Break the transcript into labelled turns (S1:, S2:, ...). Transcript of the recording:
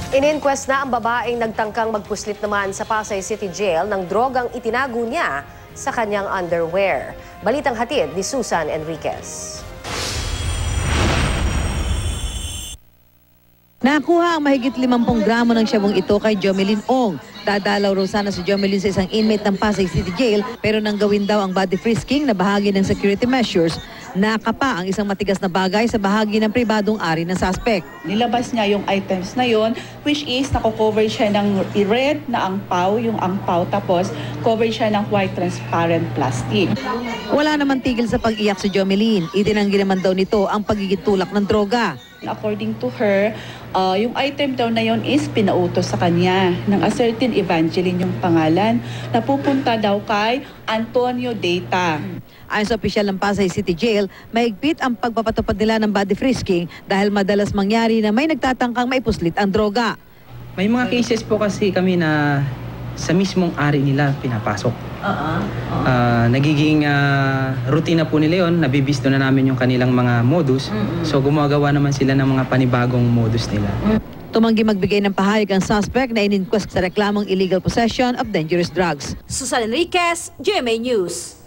S1: In-inquest na ang babaeng nagtangkang magpuslit naman sa Pasay City Jail ng drogang itinago niya sa kanyang underwear. Balitang hatid ni Susan Enriquez.
S2: Nakuha ang mahigit 50 gramo ng syabong ito kay Jomelyn Ong. Dadalaw raw sana si Jomelyn sa isang inmate ng Pasay City Jail pero nang gawin daw ang body frisking na bahagi ng security measures, nakapa ang isang matigas na bagay sa bahagi ng pribadong ari ng suspect.
S3: Nilabas niya yung items na yon, which is nako-cover siya ng red na angpaw, yung angpaw, tapos cover siya ng white transparent plastic.
S2: Wala naman tigil sa pag-iyak si Jomelyn. Itinanggi naman daw nito ang pagiging tulak ng droga.
S3: According to her, yung item daw na yon is pinautos sa kanya ng a certain Evangeline yung pangalan, na pupunta daw kay Antonio Data.
S2: Ayon sa opisyal ng Pasay City Jail, mahigpit ang pagpapatupad nila ng body frisking dahil madalas mangyari na may nagtatangkang maipuslit ang droga.
S4: May mga cases po kasi kami na sa mismong ari nila pinapasok. Nagiging routine na po nila yun, nabibisto na namin yung kanilang mga modus. So gumagawa naman sila ng mga panibagong modus nila.
S2: Tumanggi magbigay ng pahayag ang suspect na in-inquest sa reklamong illegal possession of dangerous drugs.
S5: Susan Enriquez, GMA News.